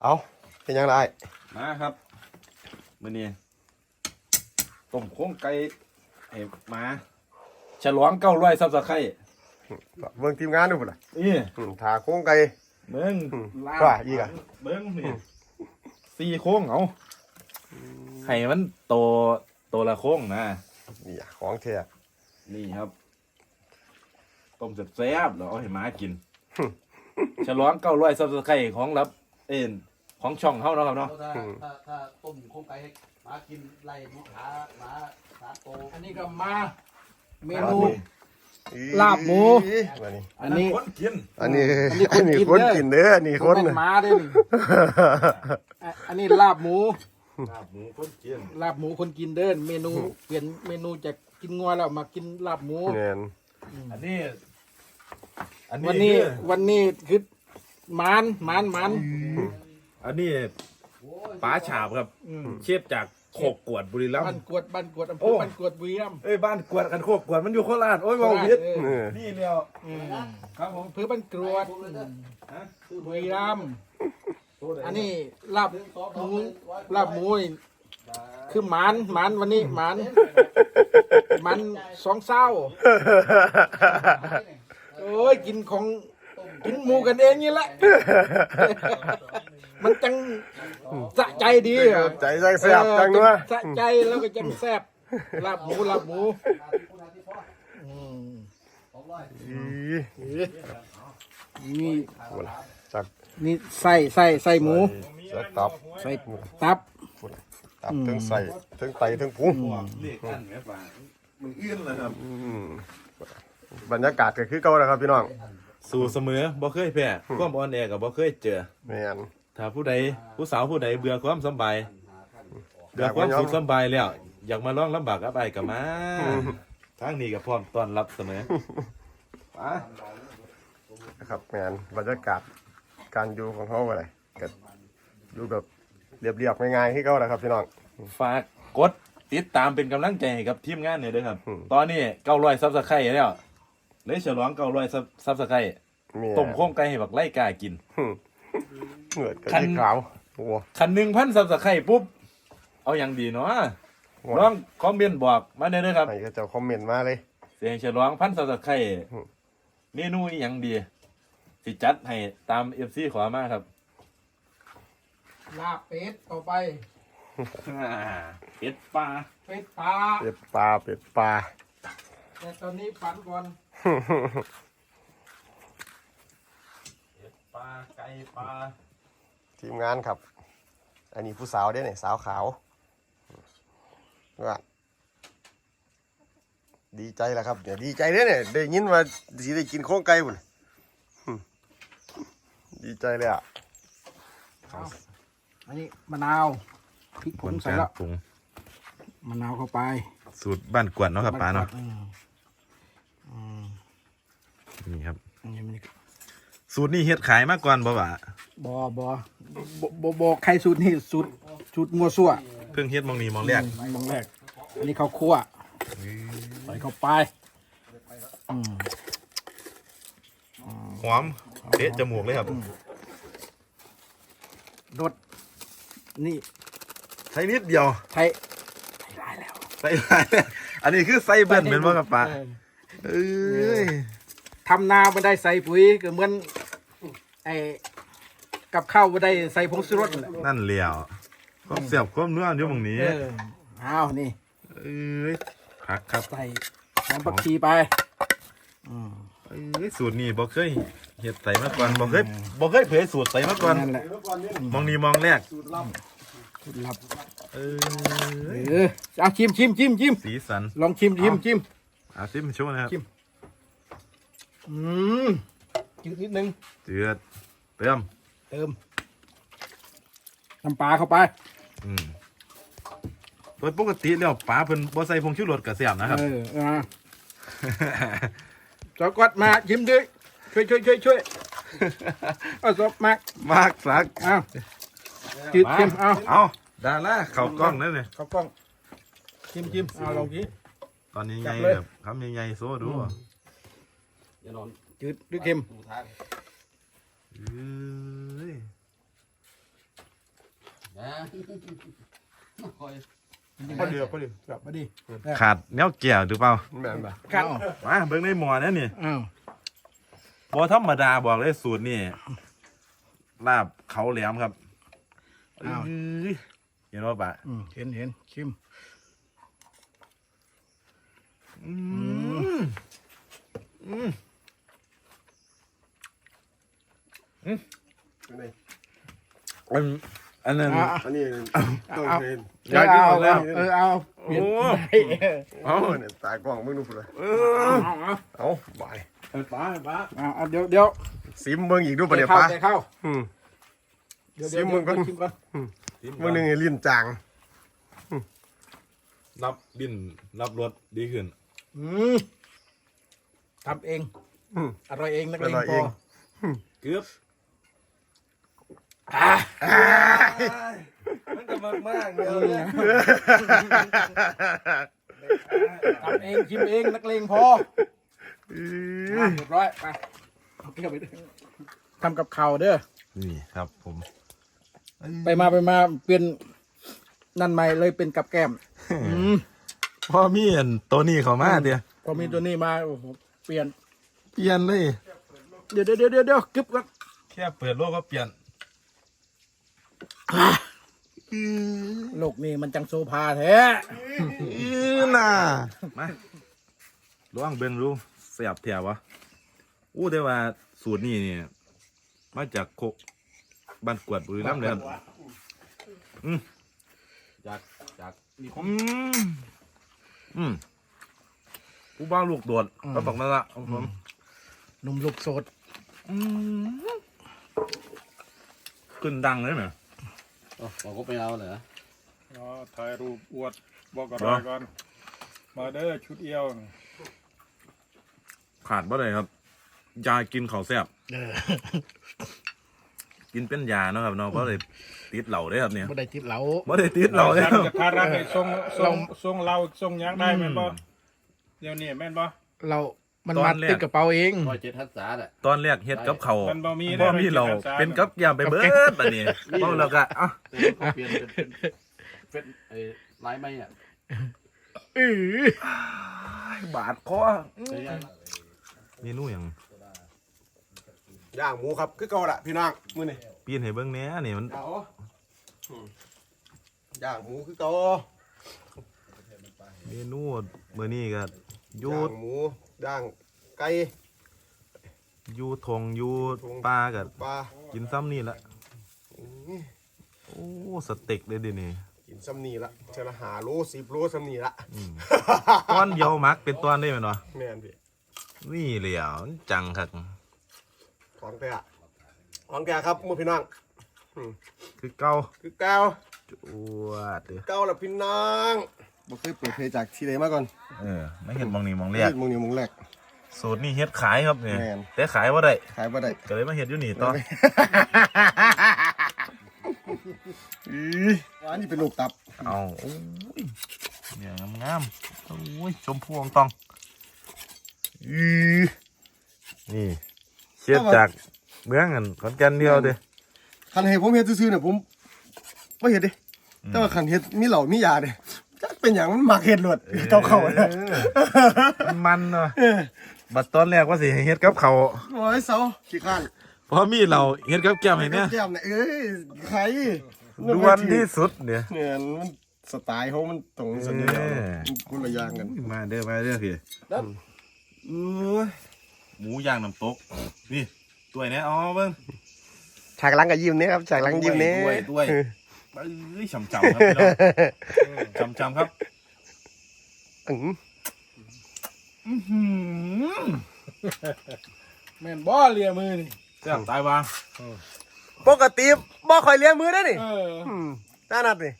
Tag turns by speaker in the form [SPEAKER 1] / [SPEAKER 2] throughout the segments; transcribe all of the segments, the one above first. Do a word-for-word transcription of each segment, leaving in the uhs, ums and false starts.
[SPEAKER 1] เอาเป็นยังไง
[SPEAKER 2] มาครับมื้อนี้ต้มโค้งไก่ให้หมาฉลองเก้าร้อยซับสไครต์
[SPEAKER 1] เบิ่งทีมงานดูพุ่นล่ะ
[SPEAKER 2] นี่
[SPEAKER 1] อืมถาโค้งไก่
[SPEAKER 2] เบิ่ง
[SPEAKER 1] อืม
[SPEAKER 2] ลา
[SPEAKER 1] ว่าอีกอะ
[SPEAKER 2] เบิ่งนี่สี่โค้งเอาให้มันโตโตละโค้งนะ
[SPEAKER 1] นี่อะของแท้
[SPEAKER 2] นี่ครับต้มแซ่บๆแล้วเอาให้หมากินฉลองเก้าร้อยซับสไครต์ของรับเอ็นของช่องเฮาเนาะครับเนาะ
[SPEAKER 3] ถ้าถ้าถ้าต้มโครงไก่ให้หมากินไล่ลูกค้าหมาสาโตอันนี้ก็มาเมนู
[SPEAKER 1] อี
[SPEAKER 3] ลาบหมู
[SPEAKER 1] อันนี้
[SPEAKER 3] อันนี้
[SPEAKER 2] คนกิน
[SPEAKER 1] อันนี้
[SPEAKER 3] อันนี้คน
[SPEAKER 1] อันนี้
[SPEAKER 3] กิ
[SPEAKER 1] คน
[SPEAKER 3] นเด้อ
[SPEAKER 1] กินเด้ออันนี้คน
[SPEAKER 3] เป็นหมาเด้อนี่อ่ะอันนี้ลาบหมู
[SPEAKER 2] ลาบหมูคนกิน
[SPEAKER 3] ลาบหมูคนกินเด้อเมนูเปลี่ยนเมนูจากกินงัวแล้วมากินลาบหมู
[SPEAKER 1] แม่น
[SPEAKER 2] อันนี้อัน
[SPEAKER 3] วันนี้
[SPEAKER 2] คือ
[SPEAKER 3] วันนี้คือหมานหมานหมาน
[SPEAKER 2] อันนี้ป๋าฉาบครับ
[SPEAKER 3] อืม
[SPEAKER 2] เชฟจากโคกกวดบุรีรัม
[SPEAKER 3] บ้าน
[SPEAKER 2] ย์
[SPEAKER 3] กวดบ้านกวดอำเภ
[SPEAKER 2] โอ้
[SPEAKER 3] อบ้านกวดบุรีรัมย์
[SPEAKER 2] เอ้ยบ้านกวดกันโคกกวดมันอยู่โคราชโอ้ยเว่าผิด
[SPEAKER 3] เออ
[SPEAKER 1] เออ
[SPEAKER 2] นี่เดียว
[SPEAKER 3] อืม
[SPEAKER 2] ครับผม
[SPEAKER 3] อำเภอบ้านกรวด
[SPEAKER 2] ฮะ
[SPEAKER 3] บุรีรัมย์
[SPEAKER 2] ตัวไห
[SPEAKER 3] อันนี้ลาบหมูลาบหมูนี่คือหมานหมานวันนี้หมานหมันสองเศร้าโอ้ยกินของกินหมูกันเองนี่แหละ มันจังสะใจดีอะ
[SPEAKER 1] ใจจังแซ่บจังนัว
[SPEAKER 3] สะใจแล้วก็จังแซ่บลาบหมูลาบหมูอืม
[SPEAKER 1] อี
[SPEAKER 3] นี่
[SPEAKER 1] พุ่นล่ะจัก
[SPEAKER 3] นี่ไส้ไส้ไส้หมู
[SPEAKER 1] จักตับ
[SPEAKER 3] ไส้ตับ
[SPEAKER 1] พุ่นล่ะตับทั้งใส่ทั้งไตทั้งพุง
[SPEAKER 2] เรียกกันแม่ป่ามึงอื้นเลยครับ
[SPEAKER 1] อืมบรรยากาศก็คือเก่าแล้วครับพี่น้อง
[SPEAKER 2] สู่เสมอบ่เคยแพ้ความอ่อนแอกับบ่เคยเจอ
[SPEAKER 1] แม่น
[SPEAKER 2] ถ้าผู้ใดผู้สาวผู้ใดเบื่อความสำบาย
[SPEAKER 1] อ
[SPEAKER 2] เบื่อย
[SPEAKER 1] าก
[SPEAKER 2] ความ
[SPEAKER 1] มายอม
[SPEAKER 2] สุขสำบายแล้ว อยากมาลองลำบากกับไอ้กับมาทางนี้ก็พร้อมต้อนรับเสมอไป
[SPEAKER 1] นะครับแม่นบรรยากาศการอยู่ของเขาอะไรก็อยู่แบบเรียบๆง่ายๆที่เขาแหละครับพี่น้อง
[SPEAKER 2] ฝากกดติดตามเป็นกำลังใจให้กับทีมงานหน่อยด้วยครับ
[SPEAKER 1] อืม
[SPEAKER 2] ตอนนี้เก้าร้อยซับสไครต์แล้วเลยฉลองเก้าร้อยซับสไครต์
[SPEAKER 1] มี
[SPEAKER 2] ต้มโค้งไก่ให้บักไล่กากิน
[SPEAKER 1] เหงื่อกับ
[SPEAKER 2] คัน
[SPEAKER 1] ที่ขาวโอ้
[SPEAKER 2] คันหนึ่งพันซับสไครต์ปุ๊บ เอาอย่างดีเนาะ
[SPEAKER 1] โห
[SPEAKER 2] น้องคอมเมนต์บอกมาได้เลยครับ
[SPEAKER 1] ให้เขาเจ้าคอมเมนต์มาเลย
[SPEAKER 2] เสียงฉลองพันซับสไครต์
[SPEAKER 1] อืม
[SPEAKER 2] เมนูอหย่างดี สิจัดให้ตามเอฟซีขอมาครับ
[SPEAKER 3] ลาบเป็ดต่อไป
[SPEAKER 2] เป็ดปลา
[SPEAKER 3] เป็ดปลา
[SPEAKER 1] เป็ดปลาเป็ดปลา
[SPEAKER 3] แต่ตอนนี้ฝันก่อน
[SPEAKER 2] เป็ดปลาไก่ปลา
[SPEAKER 1] ทีมงานครับ อันนี้ผู้สาวเด้เนี่ยสาวขาวว่าดีใจแล้วครับเนี่ยดีใจเด้เนี่ยได้ยินว่าสิได้กินโค้งไก่บุ่นดีใจเลยอ่ะ
[SPEAKER 3] เอาอันนี้มะนาวพริกผงใส่แล้ว
[SPEAKER 2] ปรุง
[SPEAKER 3] มะนาวเข้าไป
[SPEAKER 2] สูตรบ้านกวนเนาะครับปลาเนาะ
[SPEAKER 3] อืมอืม
[SPEAKER 2] นี่ครับ
[SPEAKER 3] อันนี้มัน
[SPEAKER 2] สูตรนี้เฮ็ดขายมาก่อนบ่บ่า
[SPEAKER 3] บอบอบอบอบใครสูตรนี่สูตรสูตรมัวซั่ว
[SPEAKER 2] เพิ่งเฮ็ดมองนี้มองแรก
[SPEAKER 3] มองแรกอันนี้ข้าวคั่วใส่เข้าไปอืม
[SPEAKER 2] หอมเตะจมูกเลยครับ
[SPEAKER 3] รสนี่
[SPEAKER 2] ใส่นิดเดียว
[SPEAKER 3] ไทยไทยได้แล้ว
[SPEAKER 2] ใส่หลายอันนี้คือใส่เบิ้ลเป็นบ่ครับปลา
[SPEAKER 3] เออ
[SPEAKER 2] เอ้ย
[SPEAKER 3] ทำนาไม่ได้ใส่ปุ๋ยก็เหมือนไอ้กับข้าวไม่ได้ใส่ผงชูรสนั่นแหละ
[SPEAKER 2] นั่นเหลียวความเสียบความนัวอยู่หม่องนี้
[SPEAKER 3] เอออ้าวนี่
[SPEAKER 2] เอ้ยผักครับ
[SPEAKER 3] ใส่หอมผักชีไปอืม
[SPEAKER 2] เอ้ยสูตรนี้บ่เคยเฮ็ดใส่มาก่อนบ่เคยบ่เคยเผยสูตรใส่มาก่อน
[SPEAKER 3] นั่นแหละ
[SPEAKER 2] มองนี้มองแรก
[SPEAKER 3] สูตรลับ
[SPEAKER 2] เอ้ย
[SPEAKER 3] เออเอาชิมชิมชิมชิม
[SPEAKER 2] สีสัน
[SPEAKER 3] ลองชิมชิมชิม
[SPEAKER 2] อาซิมโชว์นะครับ
[SPEAKER 3] ชิม อืมจืดนิดนึง
[SPEAKER 2] เจือดเติม
[SPEAKER 3] เติมน้ำปลาเข้าไป
[SPEAKER 2] อืมโดยปกติแล้วปลาเพิ่นบ่ใส่ผงชูรสก็แซ่บนะครับ
[SPEAKER 3] เอออ่าสกอตมาชิมดิช่วยช่วยช่วยช่วยเอาสกมาก
[SPEAKER 2] มากสัก
[SPEAKER 3] เอาจืดชิมเอา
[SPEAKER 2] เอาดาราเข้ากล้องนั่นเลย
[SPEAKER 3] เข้ากล้องชิมชิมเอาลองกิน
[SPEAKER 2] ตอนนี้
[SPEAKER 3] จั
[SPEAKER 2] ไง
[SPEAKER 3] บเลย
[SPEAKER 2] แบบคำใหญ่ๆโซ่ดูอ่ะ
[SPEAKER 3] จืดหรือเค็ม
[SPEAKER 2] เอ้ย
[SPEAKER 1] พอดีพอดีครับ
[SPEAKER 3] มาดิ
[SPEAKER 2] ขาดแนวแก้วหรือเปล่า
[SPEAKER 1] แม่นปะ
[SPEAKER 3] ครับ
[SPEAKER 2] มาเบิ่งในหม้อนั่นนี่
[SPEAKER 3] อ้าว
[SPEAKER 2] บ่ธรรมดาบอกเลยสูตรนี่ลาบเขาแหลมครับเอ้ยเห็นว่าปะ
[SPEAKER 3] อืมเห็นเห็นชิม
[SPEAKER 2] อืมอืม อันอันนั้น
[SPEAKER 3] อ่ะ
[SPEAKER 1] อันนี้ต้องเทรน
[SPEAKER 2] อยากกินหมดแล้ว
[SPEAKER 3] เออเอา
[SPEAKER 2] โอ้
[SPEAKER 1] เอาเนี่ยตากล้องมึงดูพุ่นเลย
[SPEAKER 2] เออ
[SPEAKER 3] เอาเอา
[SPEAKER 1] เอาบาย
[SPEAKER 2] ไปป้าไปป้า
[SPEAKER 3] เอาเอาเดี๋ยวเดี๋ยว
[SPEAKER 1] ซิมเบิ่งอีกดูปะเดี๋ยว
[SPEAKER 3] เข้า
[SPEAKER 1] ป้า
[SPEAKER 3] ใจเข้า
[SPEAKER 1] อืม
[SPEAKER 3] เดี๋ยว
[SPEAKER 1] ซิ
[SPEAKER 3] เดี๋ยว
[SPEAKER 1] มมึงก่อน
[SPEAKER 3] ชิมก่อน
[SPEAKER 1] เบิ่งหนึงให้ลิ้นจาง
[SPEAKER 2] รับดินรับรสดีขึ้น
[SPEAKER 3] อืมทำเอง
[SPEAKER 1] อืม
[SPEAKER 3] อร่อยเองนักเลง
[SPEAKER 1] อร่อย
[SPEAKER 3] พ
[SPEAKER 1] เอ
[SPEAKER 3] อง
[SPEAKER 2] เกือบมันก็มากมากๆเลย
[SPEAKER 3] ทำเองชิมเองนักเลงพออ่ะเรียบร้อยไปเอาเกี่ยวไปด้วยทำกับข้าวเด้อ
[SPEAKER 2] นี่ครับผม
[SPEAKER 3] ไปมาไปมาเปลี่ยนนั่นใหม่เลยเป็นกับแก้มอืม
[SPEAKER 2] พ่อมีอันตัวนี้เขามาเดียว
[SPEAKER 3] พอมีตัวนี้มาโอ้โหเปลี่ยน
[SPEAKER 2] เปลี่ยนเลย
[SPEAKER 3] เดี๋ยวเดี๋ยวเดี๋ยวเดี๋ยวกึบกัน
[SPEAKER 2] แค่เปิดโลกก็เปลี่ยน
[SPEAKER 3] โลกนี้มันจังโซภาแท้
[SPEAKER 2] อีน่ามาลองเบิ่งดูเสียบแถววะอู้แต่ว่าสูตรนี้เนี่ยมาจากโคกบ้านกวดบุรีรัมย์เลยครับอืม
[SPEAKER 3] จากจากนี่
[SPEAKER 2] อืมอืมผู้บ้าลูกโดดก็บอกนั่นละครับผม
[SPEAKER 3] หนุ่มลูกโสด
[SPEAKER 2] อืมขึ้นดังเลยไหม
[SPEAKER 4] บอกก็ไปเอาเหรอ
[SPEAKER 5] อ๋อถ่ายรูปอวดบอกกับรายก่อน มาเด้อชุดเอียว
[SPEAKER 2] ขาดบ่ได้ครับ ยากินข้าวแซ่บ
[SPEAKER 3] เออ
[SPEAKER 2] กินเป็นยาเนาะครับเนาะเพราะเลยติดเหล่าได้ครับเนี่ย
[SPEAKER 3] บ่ได้ติดเหลา
[SPEAKER 2] บ่ได้ติดเหล่าเลยค
[SPEAKER 5] ท่า
[SPEAKER 2] รั
[SPEAKER 5] น
[SPEAKER 2] บ
[SPEAKER 5] จะพารักให้ทรงทรงทรงเราทรงหยังได้แม่นบ่เดี๋ยวนี้แม่นบ่
[SPEAKER 3] เรา มันมาติดกระเป๋าเอง
[SPEAKER 4] ร้อยเจ็ดทัศน์อ่ะ
[SPEAKER 2] ตอนแรกเฮ็ดกับเขาว
[SPEAKER 5] มันบ่มี
[SPEAKER 2] บ่มีเราเป็นกับยาไปเบิดบัดนี้เมาแล้วก็อ่ะ
[SPEAKER 4] เขาเปลี่ยนเป็นเป็นไอ้ลายไม้อ่ะ
[SPEAKER 3] อือบ
[SPEAKER 2] าดคอ
[SPEAKER 4] แต่ยัง
[SPEAKER 2] เมนูหยัง
[SPEAKER 1] ย่างหมูครับคือเก่าละพี่น้องมื้อนี้
[SPEAKER 2] ปีนให้เบิ่งแหน่นี่มัน
[SPEAKER 1] เอาอืมย่างหมูคือเก่า
[SPEAKER 2] เมนูมื้อนี้ก็อยู่
[SPEAKER 1] ย่างหมูย่างไก่
[SPEAKER 2] อยู่ทงอยู่ป่าก็
[SPEAKER 1] ปลา
[SPEAKER 2] กินซ้ำนี่ละ
[SPEAKER 1] อืม
[SPEAKER 2] โอ้สเต็กเลยดินี่
[SPEAKER 1] กินซ้ำนี่ละเชลหาโลสิบโลซ้ำนี่ละ
[SPEAKER 2] อืมตอนเดียวมักเป็นตอนได้แม่นบ่
[SPEAKER 1] แม่นพี่
[SPEAKER 2] นี่เหลียวจังคัก
[SPEAKER 1] ของแท้ของแท้ครับมื้อพี่น้อง
[SPEAKER 2] คือเก่า
[SPEAKER 1] คือเก่า
[SPEAKER 2] จวดเด้อ
[SPEAKER 1] เก่าละพี่น้องบ่เคยเปิดเพลงจากที่ไหนมาก่อน
[SPEAKER 2] เออไม่เห็นมองนี่มองแรก
[SPEAKER 1] มึงนี่มึงแรก
[SPEAKER 2] สูตรนี่เฮ็ดขายครับเนี่ย
[SPEAKER 1] แม่น
[SPEAKER 2] แต่ขายว่าได้
[SPEAKER 1] ขายบ่ได้
[SPEAKER 2] ก็เลยมาเฮ็ดอยู่นี่ต่อ
[SPEAKER 1] อีอันนี้เป็นลูกตับ
[SPEAKER 2] เอาโอ้ยเนี่ยงามๆโอ้ยชมพูอองตองอีนี่เชียดจากเมืองกันขอนแก่นเดียวเด้อ
[SPEAKER 1] คันให้ผมเฮ็ดซื่อๆเนี่ยผมบ่เฮ็ดเด้แต่ว่าคันเฮ็ดมีเหล้ามียาเด้จักเป็นหยังมันมักเฮ็ดโลดเก่าเข้าๆนะ
[SPEAKER 2] มันมันเนาะบัดตอนแรกว่าสิให้เฮ็ดกับเขาว
[SPEAKER 1] โอ้ยเซาขี้ข้าน
[SPEAKER 2] พอมีเราเฮ็ดกับแก้มให้เนี่ย
[SPEAKER 1] แก้มเนี่ยเอ้ยใคร
[SPEAKER 2] ดวนที่สุดเนี่ย
[SPEAKER 1] เนี่ยมันสไตล์เขามันตรงสันนี้แล้ว
[SPEAKER 2] เออ
[SPEAKER 1] มันคนละอย่างกัน
[SPEAKER 2] มาเด้อมาเด้อพี่
[SPEAKER 1] โอ้ย
[SPEAKER 2] หมูย่างน้ำตกนี่ตัวยเนี่ยอ๋อเบิ่ง
[SPEAKER 1] ฉากหลังกับยิ้มเนี่ยครับฉากหลังยิ้มเนี่ย
[SPEAKER 2] ด้วยด้วยเอ้ยฉ่ำๆครับพี่น้องฉ่ำๆครับ
[SPEAKER 1] อื้อ
[SPEAKER 2] อื้อหือ
[SPEAKER 3] แม่นบ่เลียมือนี่
[SPEAKER 2] แซ่บตายวาง
[SPEAKER 1] ปกติบ่ค่อยเลี้ยงมือได้นี่
[SPEAKER 3] เออ
[SPEAKER 1] อืมตานัดนี่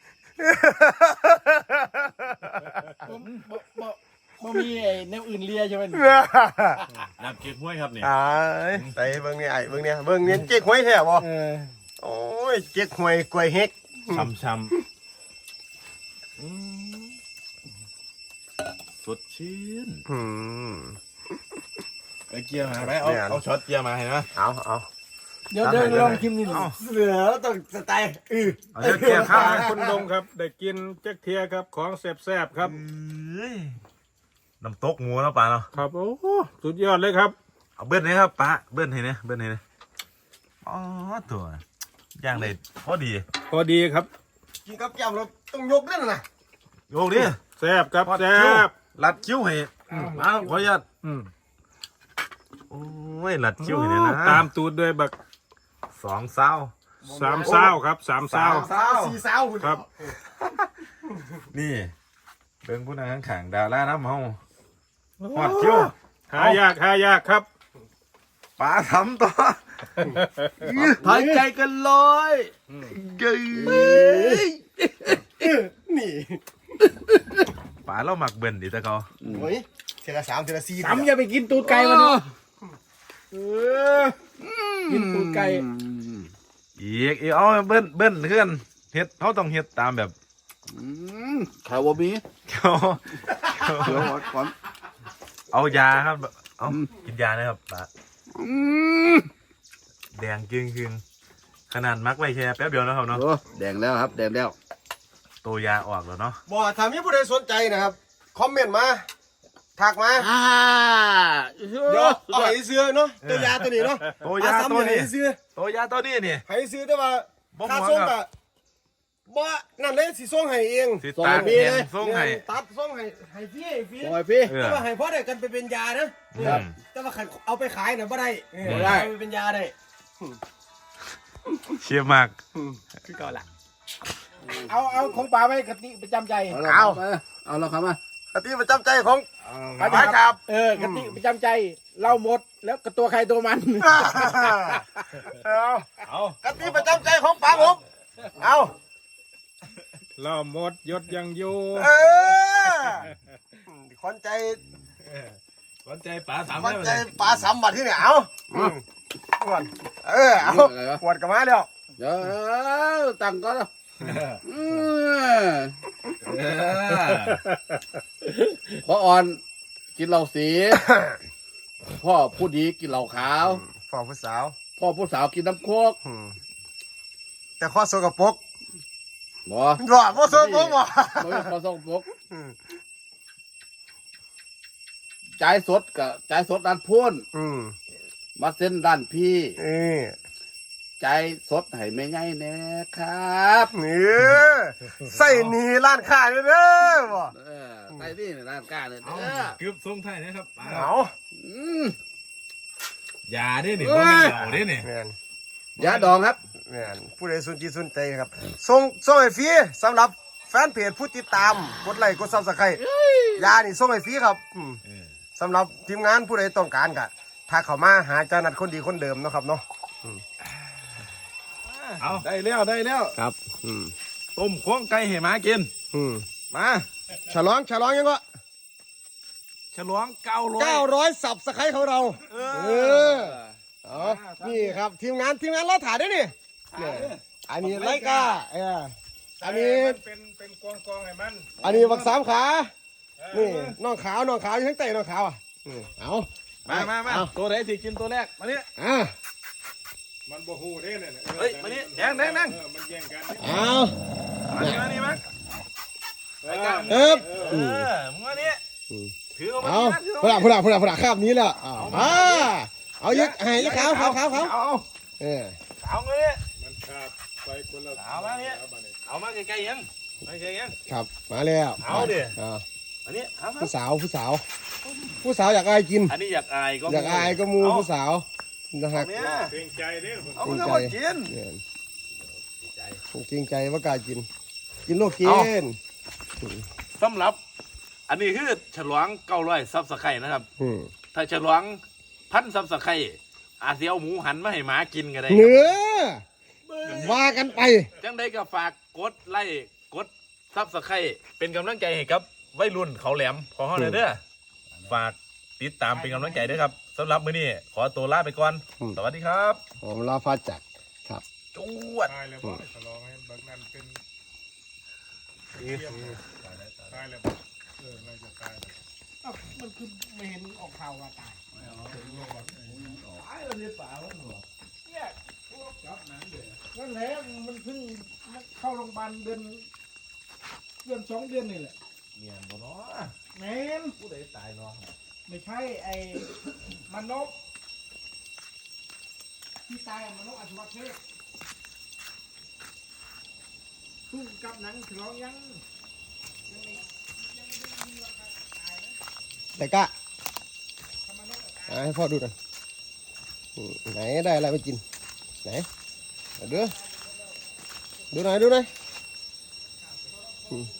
[SPEAKER 3] บ่บ่บ่บ่มีไอ้แนวอื่นเลียใช่ไหม
[SPEAKER 2] น้ำเก๊กห้วยครับนี่
[SPEAKER 1] อ้ายใส่เบิ่งนี่ไอ้เบิ่งเนี่ยเบิ่งเนี่ยเจ๊กหวยแท้บ่
[SPEAKER 3] เออ
[SPEAKER 1] โอ้ยเจ๊กหวยกล้วยเฮ็ก
[SPEAKER 2] ช้ำๆอืมสดชื่น
[SPEAKER 1] อืม
[SPEAKER 2] ไปเกียร์มาไปเอาเอาช็อตเกียร์มาเห็นไหม
[SPEAKER 1] เอาเอา
[SPEAKER 3] เดี๋ยวเดี๋ยวลองชิมนี่
[SPEAKER 2] เอา
[SPEAKER 1] เสือต้องสไตล์อือ
[SPEAKER 2] เอาเดี๋ยวแก้ข้าวนะ
[SPEAKER 5] คุณดงครับได้กินแจ็คเทียครับของแซ่บๆครับ
[SPEAKER 2] เอ้ยน้ำตกหมูแล้วป่าเนาะ
[SPEAKER 5] ครับโอ้โหสุดยอดเลยครับ
[SPEAKER 2] เอาเบิ้ลนี่ครับป้าเบิ้ลให้เนี่ยเบิ้ลให้เนี่ยอ๋อตัวย่างได้พอดี
[SPEAKER 5] พอดีครับ
[SPEAKER 1] กินกับแก้มเราต้องยกนั่นน่ะ
[SPEAKER 2] โยกดิ
[SPEAKER 5] แซ่บครับ
[SPEAKER 2] ทอด
[SPEAKER 5] แซ่
[SPEAKER 2] คิ้ว
[SPEAKER 5] บ
[SPEAKER 2] รัดคิ้วให้มาขออนุญาต
[SPEAKER 5] อืม
[SPEAKER 2] โอ้ยรัดคิ้วให้เนี่ยนะ
[SPEAKER 5] ตามตูดด้วยบัก
[SPEAKER 2] สองเศร้า
[SPEAKER 5] สามเศร้าครับสามเศร้า
[SPEAKER 1] สาวสี่สาว
[SPEAKER 5] ครับ
[SPEAKER 2] นี่เบิ่งผู้นั้นข้างๆดาราน้ำเฮาหอดคิ้ว
[SPEAKER 5] หายากหายากครับ
[SPEAKER 2] ป้าทำต่อ
[SPEAKER 4] หายใจกันลอย
[SPEAKER 2] เย้ย
[SPEAKER 1] นี่
[SPEAKER 2] ป้าเราหมักเบิ่นดิตะเขา
[SPEAKER 1] โอ้ยเทละสามเทละสี่
[SPEAKER 3] สามอย่าไปกินตูดไก่มันเนาะเออกินตูดไก่
[SPEAKER 2] อีกอีกเอาเบิ้ลเบิ้ลเพื่อนเฮ็ดเขาต้องเฮ็ดตามแบบ
[SPEAKER 4] ข่าวว่ามี
[SPEAKER 2] เขา
[SPEAKER 4] เดี๋ยวก่อน
[SPEAKER 2] เอายาครับเอากินยานะครับป้าแดงจึงจึงขนาดมักไว้แค่แป๊บเดียวนะครับเนาะ
[SPEAKER 4] โอ้แดงแล้วครับแดงแล้ว
[SPEAKER 2] ตัวยาออกแล้วเนาะ
[SPEAKER 1] บ่ถ้ามีผู้ใดสนใจนะครับคอมเมนต์มาทักมา
[SPEAKER 4] อ่า
[SPEAKER 1] เดี๋ยวเอาให้ซื้อเนาะตัวยาตัวนี้เนาะ
[SPEAKER 2] ตัวยา
[SPEAKER 1] ซ้ำ
[SPEAKER 2] ตัว
[SPEAKER 1] ให้
[SPEAKER 2] นี้
[SPEAKER 1] ซื้อ
[SPEAKER 2] ตัวยาตัวนี้นี่
[SPEAKER 1] ให้ซื้อแต่ว่า
[SPEAKER 2] บ่
[SPEAKER 1] ค่า
[SPEAKER 2] หัว
[SPEAKER 1] ส่ง
[SPEAKER 2] ครั
[SPEAKER 1] ก็
[SPEAKER 2] บ
[SPEAKER 1] บ่นั่นเลยสิส่งให้เอง
[SPEAKER 2] สิตาแข็งส่งให้
[SPEAKER 1] ตัดส่งให้ให้ฟรีให้ฟรี
[SPEAKER 4] ปล่อยพี่
[SPEAKER 2] เออ
[SPEAKER 1] แต่ว่าให้พอได้กันไปเป็นยานะ
[SPEAKER 2] อืม
[SPEAKER 1] แต่ว่าคันเอาไปขายน่ะบ่ได้เออ
[SPEAKER 2] บ่ได้
[SPEAKER 1] เอาไปเป็นยาได้
[SPEAKER 2] เชียร์มาก
[SPEAKER 1] คือเก่าละ
[SPEAKER 3] เอาเอาของป่าไว้กะติประจำใจ
[SPEAKER 4] เอาเอาแล้วครับมา
[SPEAKER 1] กะทิประจำใจของ
[SPEAKER 3] ไปครับ เออกะติประจำใจเราหมดแล้วกระตัวใครตัวมัน
[SPEAKER 1] เอา
[SPEAKER 2] เอา
[SPEAKER 1] กะทิประจำใจของป๋าผมเอา
[SPEAKER 5] เราหมดยศยังอยู่
[SPEAKER 1] เออขวัญใจ
[SPEAKER 2] สนใจป๋าถาม
[SPEAKER 1] ขวั
[SPEAKER 2] ได้
[SPEAKER 1] ญ
[SPEAKER 2] ไหม
[SPEAKER 1] ใจป๋าสามบัดที่เนี่ยเอาอืมขวดเออเอาขวดกลับมาแล้ว
[SPEAKER 4] เดี๋ยวตั้งก่อนนะอืม
[SPEAKER 2] เออ
[SPEAKER 4] พออ่อนกินเหล้าสี พ่อผู้ดีกินเหล้าขาว
[SPEAKER 1] ฝ่าผู้สาว
[SPEAKER 4] พ่อผู้สาวกินน้ำโคก
[SPEAKER 1] อืมแต่ข้อโซกปรก
[SPEAKER 4] บ่
[SPEAKER 1] หรอข้อโซกปรกบ่
[SPEAKER 4] บ่พอส่งปกจ่ายสดกับจ่ายสดด้านพูน
[SPEAKER 1] อืม
[SPEAKER 4] มาเส้นด้านพี่
[SPEAKER 1] เออ
[SPEAKER 4] จ่ายสดให้ไม่ง่ายแน่ครับ
[SPEAKER 1] นี่ใส่หนีร้านค้าเลยเด้อบ่
[SPEAKER 4] เออใส่นี่ร้านกล้าเนี่ยเด้อ
[SPEAKER 2] เกือบส่งไทายนะครับป๋า
[SPEAKER 1] เอา
[SPEAKER 4] อืม
[SPEAKER 2] ยาเด้นี่บ่แม่นเหล้าเด้นี่
[SPEAKER 1] แม่น
[SPEAKER 4] ยาดองครับ
[SPEAKER 1] แม่นผู้ใดสนใจสนใจครับส่งส่งให้ฟรีสำหรับแฟนเพจผู้ติดตามกดไลค์กดซับสไครต์ยานี่ส่งให้ฟรีครับอืม
[SPEAKER 2] เออ
[SPEAKER 1] สำหรับทีมงานผู้ใดต้องการก็ถ้าเข้ามาหาเจ้านัดคนดีคนเดิมเนาะครับเนาะ
[SPEAKER 2] เอาได้แล้วได้แล้ว
[SPEAKER 1] ครับอืม
[SPEAKER 2] ต้มข้วงไก่ให้หมากิน
[SPEAKER 1] อืม
[SPEAKER 2] มา
[SPEAKER 1] ฉลองฉลองยังก็
[SPEAKER 2] ฉลองเก้าร้อย
[SPEAKER 1] เก้าร้อยสับสไครต์ของเรา
[SPEAKER 2] เอ
[SPEAKER 1] เออเอานี่ครับทีมงานทีมงานเราถ่ายด้วยนี่เนี่ยอันนี้ไรกาเอออันนี้
[SPEAKER 5] เป็นเป็นกองกองๆให้มัน
[SPEAKER 1] อันนี้บักสามขา นี่น้องขาวน้องขาวอยู่ข้างใต้น้องขาวอ่ะอืมเอา
[SPEAKER 2] มามามา
[SPEAKER 1] เอา
[SPEAKER 2] ตัวไหนที่กินตัวแรกมาเนี่ย
[SPEAKER 1] อ่ะ
[SPEAKER 5] มันบ่ฮู้เด้เนี่ย
[SPEAKER 2] เฮ้ยมานี่แดงแดงแดง
[SPEAKER 5] เออมันแย่งกัน
[SPEAKER 1] เอา
[SPEAKER 2] มานี่มานี่มา
[SPEAKER 5] เออ
[SPEAKER 1] เอ๊บ
[SPEAKER 2] เออมึงมานี่ถือเอามา
[SPEAKER 1] เอา
[SPEAKER 2] นี่นะถือ
[SPEAKER 1] พ
[SPEAKER 2] เอา
[SPEAKER 1] ลังพลังพลังพลังคาบนี้แล้วเอาอ่าเอายึกให้ยึกขาวขาวขาวขาว
[SPEAKER 2] เอา
[SPEAKER 1] เออ
[SPEAKER 2] เอามาเนี่ย
[SPEAKER 5] มันขาดไปคนละ
[SPEAKER 2] เอามาเนี่ย
[SPEAKER 5] อบัดนี้
[SPEAKER 2] เอามาใกล้ๆยังมาใกล้ๆยัง
[SPEAKER 1] ครับมาแล้ว
[SPEAKER 2] เอาดิ
[SPEAKER 1] อ่า
[SPEAKER 2] อันนี้เอามา
[SPEAKER 1] ผู้สาวผู้สาว ผู้สาวอยากอายกิน
[SPEAKER 2] อันนี้อยากอายก็
[SPEAKER 1] อยากอายก็มูผู้สาวนะฮะ
[SPEAKER 2] เนี่ย
[SPEAKER 5] เกรงใจเด้อ
[SPEAKER 2] เอามามากิน
[SPEAKER 1] เนี่ยผมเกรงใจว่ากล้ากิน กินโลกกิ
[SPEAKER 2] เอา
[SPEAKER 1] น
[SPEAKER 2] สำหรับ อันนี้คือฉลองเก้าร้อยซับสไครต์นะครับ
[SPEAKER 1] อืม
[SPEAKER 2] ถ้าฉลองพันซับสไครต์อาจจะเอาหมูหันมาให้หมากินก็ได้ค
[SPEAKER 1] เนื้
[SPEAKER 2] รับ
[SPEAKER 1] อว่ากันไป
[SPEAKER 2] จังได้ก็ฝากกดไลค์กดซับสไครต์เป็นกำลังใจให้กับวัยรุ่นเขาแหลมขอเฮาหน่อยเด้อฝากติดตามเป็นกำลังใจด้วยครับสำหรับมื้อนี้ขอตัวลาไปก่อน
[SPEAKER 1] อืม
[SPEAKER 2] สวัสดีครับ
[SPEAKER 1] ผมลาฟ้าจักรครับ
[SPEAKER 2] จวด
[SPEAKER 5] ตายแล้วบ่ฉลองให้บักนั้นเป็นเทียมตายแล้วบ่เออน่าจะตายแล้ว
[SPEAKER 3] เอ้ามันคือไม่เห็นออกข่าวว่าตาย
[SPEAKER 5] เออ
[SPEAKER 3] เนี่ยพวกจับหนังเดือนั่นแหละมันเพิ่งเข้าโรงพยาบาลเดือนเดือนสองเดือนนี่แหละ
[SPEAKER 2] เมียนบ่เนาะ
[SPEAKER 3] แมน
[SPEAKER 2] ผู้ใดตายเนาะ
[SPEAKER 3] ไม่ใช่ไอ้มันนกที่ตายอะมันนกอัศวะเทพสู้กับหนังฉลองยังยังไม่ยังไม่มีราคาตายนะ
[SPEAKER 1] แต่กะ
[SPEAKER 3] ทำมันนกอะตาย
[SPEAKER 1] อ่ะให้พ่อดูหน่อยอืมไหนได้อะไรมากินไหนเอาดูดูหน่อยดูหน่อยอืม